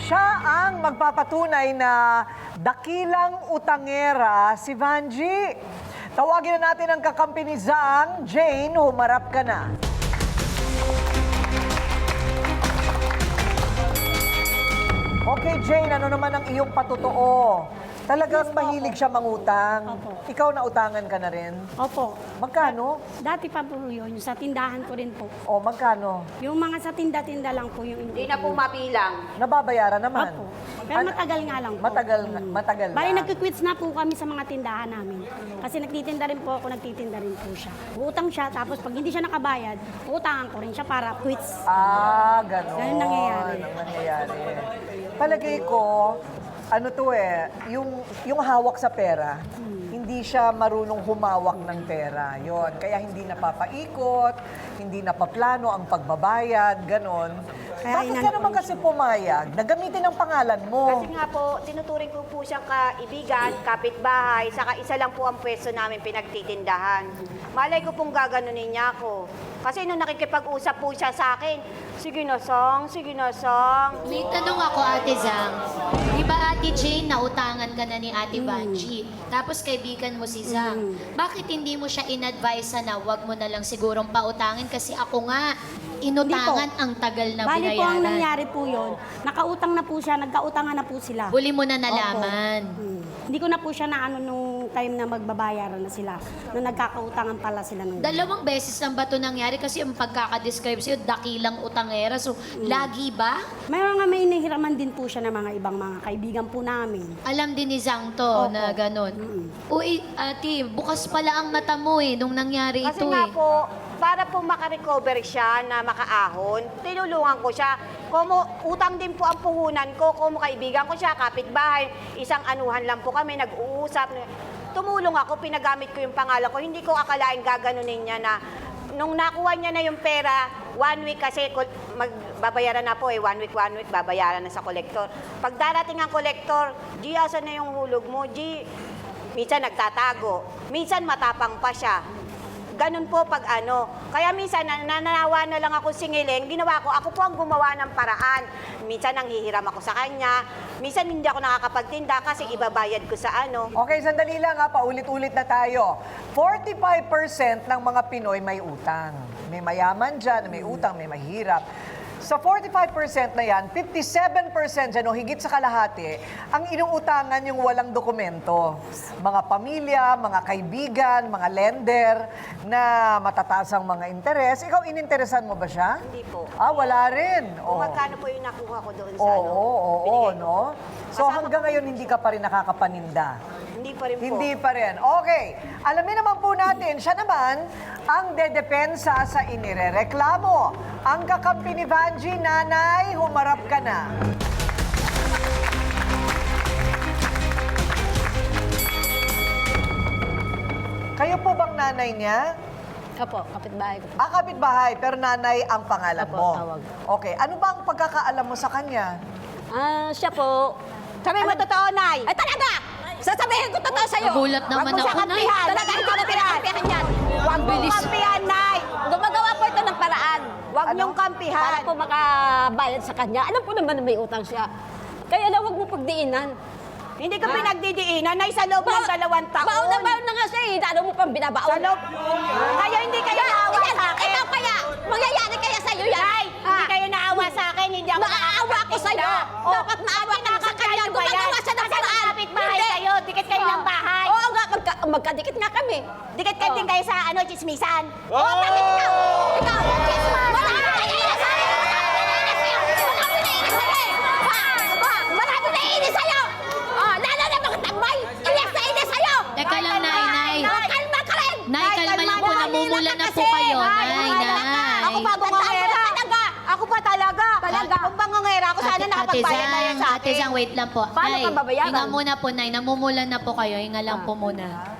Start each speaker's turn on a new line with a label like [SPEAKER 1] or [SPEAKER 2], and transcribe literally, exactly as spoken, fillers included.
[SPEAKER 1] Siya ang magpapatunay na dakilang utangera si Vanji. Tawagin na natin ang kakampi ni Zang. Jane, humarap ka na. Okay, Jane, ano naman ang iyong patotoo? Talagang
[SPEAKER 2] Yes po,
[SPEAKER 1] mahilig
[SPEAKER 2] opo.
[SPEAKER 1] siya mangutang.
[SPEAKER 2] Opo.
[SPEAKER 1] Ikaw na utangan ka na rin.
[SPEAKER 2] Opo.
[SPEAKER 1] Magkano?
[SPEAKER 2] Dati pa po yun, yung sa tindahan ko rin po.
[SPEAKER 1] O, magkano?
[SPEAKER 2] Yung mga sa tinda-tinda lang po yung
[SPEAKER 3] Hindi na po mabilang.
[SPEAKER 1] Nababayaran naman.
[SPEAKER 2] Opo. Pero
[SPEAKER 1] Ano-
[SPEAKER 2] matagal nga lang po.
[SPEAKER 1] Matagal,
[SPEAKER 2] Mm.
[SPEAKER 1] matagal
[SPEAKER 2] Bali,
[SPEAKER 1] na.
[SPEAKER 2] nagkikwits na po kami sa mga tindahan namin. Kasi nagtitinda rin po ako, nagtitinda rin po siya. Utang siya, tapos pag hindi siya nakabayad, utangan ko rin siya para quits.
[SPEAKER 1] Ah, ganon.
[SPEAKER 2] Ganun nangyayari.
[SPEAKER 1] Ang nangyayari. Palagay ko, ano to eh, yung, yung hawak sa pera, hindi siya marunong humawak ng pera. Yon, kaya hindi napapaikot, hindi napaplano ang pagbabayad, ganon.
[SPEAKER 2] Kaya
[SPEAKER 1] Bakit ka
[SPEAKER 2] inan-
[SPEAKER 1] naman kasi pumayag na gamitin ang pangalan mo?
[SPEAKER 3] Kasi nga po, tinuturing ko po siyang kaibigan, kapitbahay, saka isa lang po ang pwesto namin pinagtitindahan. Malay ko pong gaganunin niya ako. Kasi nung nakikipag-usap po siya sa akin, sige na, Sang, sige na, Sang.
[SPEAKER 4] May tanong ako, Ate Zang. Di ba, Ate Jane, nautangan ka na ni Ate Vanji? Tapos kaibigan mo si Zang. Bakit hindi mo siya in-advise na wag mo na lang sigurong pautangin? Kasi ako nga, inutangan ang tagal na
[SPEAKER 2] Bali
[SPEAKER 4] binayaran.
[SPEAKER 2] po ang nangyari po yun, nakautang na po siya, nagkautangan na po sila.
[SPEAKER 4] Huli mo na nalaman.
[SPEAKER 2] Hmm. Hindi ko na po siya naano nung time na magbabayaran na sila. Nung nagkakautangan pala sila nung...
[SPEAKER 4] Dalawang beses lang ba ito nangyari? Kasi yung pagkakadescribe sa'yo, dakilang utangera. So, lagi ba?
[SPEAKER 2] Mayroon nga may inihiraman din po siya ng mga ibang mga kaibigan po namin.
[SPEAKER 4] Alam din ni Zang to
[SPEAKER 2] Opo.
[SPEAKER 4] na ganun.
[SPEAKER 2] Mm-mm.
[SPEAKER 4] Uy, ate, bukas pala ang mata mo eh, nung nangyari
[SPEAKER 3] Kasi
[SPEAKER 4] ito
[SPEAKER 3] nga
[SPEAKER 4] eh.
[SPEAKER 3] po, para po makarecover siya na makaahon, tinulungan ko siya. Kumu utang din po ang puhunan ko, kumu kaibigan ko siya, kapitbahay, isang anuhan lang po kami, nag-uusap. Tumulong ako, pinagamit ko yung pangalan ko. Hindi ko akalain gaganunin niya na nung nakuha niya na yung pera, one week kasi kol- magbabayaran na po eh, one week, one week, babayaran na sa kolektor. Pag darating ang kolektor, G, asan na yung hulog mo? G, minsan nagtatago, minsan matapang pa siya. Ganun po pag ano. Kaya minsan nananawa na lang ako singiling, ginawa ko, ako po ang gumawa ng paraan. Minsan nanghihiram ako sa kanya, minsan hindi ako nakakapagtinda kasi ibabayad ko sa ano.
[SPEAKER 1] Okay, sandali lang ha, paulit-ulit na tayo. forty-five percent ng mga Pinoy may utang. May mayaman dyan, may utang, may mahirap. Sa forty-five percent na yan, fifty-seven percent dyan o higit sa kalahati, ang inuutangan yung walang dokumento. Mga pamilya, mga kaibigan, mga lender na matataas ang mga interes. Ikaw, ininteresan mo ba siya?
[SPEAKER 3] Hindi po.
[SPEAKER 1] Ah, wala rin.
[SPEAKER 3] Kung
[SPEAKER 1] Oh.
[SPEAKER 3] magkano po yung nakuha ko doon sa
[SPEAKER 1] Oo,
[SPEAKER 3] ano.
[SPEAKER 1] oo, oo,
[SPEAKER 3] binigay ko.
[SPEAKER 1] no? So
[SPEAKER 3] Kasama
[SPEAKER 1] hanggang
[SPEAKER 3] ko-
[SPEAKER 1] ngayon hindi ka pa rin nakakapaninda.
[SPEAKER 3] Hindi pa rin po.
[SPEAKER 1] Hindi pa rin. Okay. Alamin naman po natin, siya naman ang dedepensa sa inirereklamo. Ang kakampi ni Vanji, Nanay, humarap ka na. Kayo po bang nanay niya?
[SPEAKER 5] Opo, kapitbahay ko.
[SPEAKER 1] Ah, kapitbahay, pero nanay ang pangalan
[SPEAKER 5] Opo,
[SPEAKER 1] mo.
[SPEAKER 5] tawag.
[SPEAKER 1] Okay. Ano ba ang pagkakaalam mo sa kanya?
[SPEAKER 5] Ah, siya po.
[SPEAKER 3] Sabi mo totoo, Nay.
[SPEAKER 5] Ay, talaga! Sasabihin ko totoo sa'yo.
[SPEAKER 4] Nagulat naman
[SPEAKER 3] Huwag mo siya
[SPEAKER 4] ako, Nay.
[SPEAKER 3] kampihan.
[SPEAKER 5] Talaga, hindi ko na pinakampihan yan.
[SPEAKER 3] Huwag mo
[SPEAKER 4] Bilis.
[SPEAKER 3] kampihan, Nay.
[SPEAKER 5] Gumagawa po ito ng paraan.
[SPEAKER 3] Huwag
[SPEAKER 1] Ano?
[SPEAKER 3] niyong kampihan.
[SPEAKER 5] Para po makabayad sa kanya. Alam po naman na may utang siya. Kaya lang, huwag mo pagdiinan.
[SPEAKER 3] Hindi ko pinagdidiinan, Nay, sa loob ng dalawang taon.
[SPEAKER 5] Baon na baon na nga siya eh. Lalo mo pang binabaon.
[SPEAKER 3] Sa loob. Kaya hindi kayo naawa
[SPEAKER 5] Ikaw,
[SPEAKER 3] sa akin.
[SPEAKER 5] ikaw kaya. Mangyayari kaya sa'yo yan.
[SPEAKER 3] Nay, hindi kayo naawa sa akin, hindi ako
[SPEAKER 5] Maaawa ko sa'yo.
[SPEAKER 3] Oh,
[SPEAKER 5] Dapat maawa ka sa kanya.
[SPEAKER 3] ba yan?
[SPEAKER 5] Gumagawa siya ng
[SPEAKER 3] Kasi
[SPEAKER 5] paraan.
[SPEAKER 3] kapitbahay
[SPEAKER 5] Hindi.
[SPEAKER 3] kayo, dikit kayo ng bahay.
[SPEAKER 5] Oo nga, magka, magkadikit nga kami.
[SPEAKER 3] Dikit kayo
[SPEAKER 5] Oh.
[SPEAKER 3] din kayo sa ano, chismisan.
[SPEAKER 5] Oo, oh, bakit ikaw? Ikaw, chismas! Marami na iinis sa'yo! Marami na iinis sa'yo! Ha? Ha? Marami na iinis sa'yo! Oh, lalo na mga tambay! Inis na inis sa'yo!
[SPEAKER 4] Teka lang, Nay, Nay.
[SPEAKER 5] Oh, kalma ka rin!
[SPEAKER 4] Nay, kalma lang po. Namumula na po kayo. Nay, Nay.
[SPEAKER 3] Ako pa bungangera.
[SPEAKER 5] Talaga!
[SPEAKER 3] Ako pa talaga.
[SPEAKER 5] Talaga.
[SPEAKER 3] Kung bangangera ako, sana
[SPEAKER 4] Ate
[SPEAKER 3] nakapagbayad na yan
[SPEAKER 4] Zang,
[SPEAKER 3] sa
[SPEAKER 4] Ate
[SPEAKER 3] akin.
[SPEAKER 4] Zang, wait lang po.
[SPEAKER 5] Paano
[SPEAKER 4] Nay,
[SPEAKER 5] ka babayaran?
[SPEAKER 4] hinga muna po, Nay. Namumula na po kayo. Hinga lang po muna.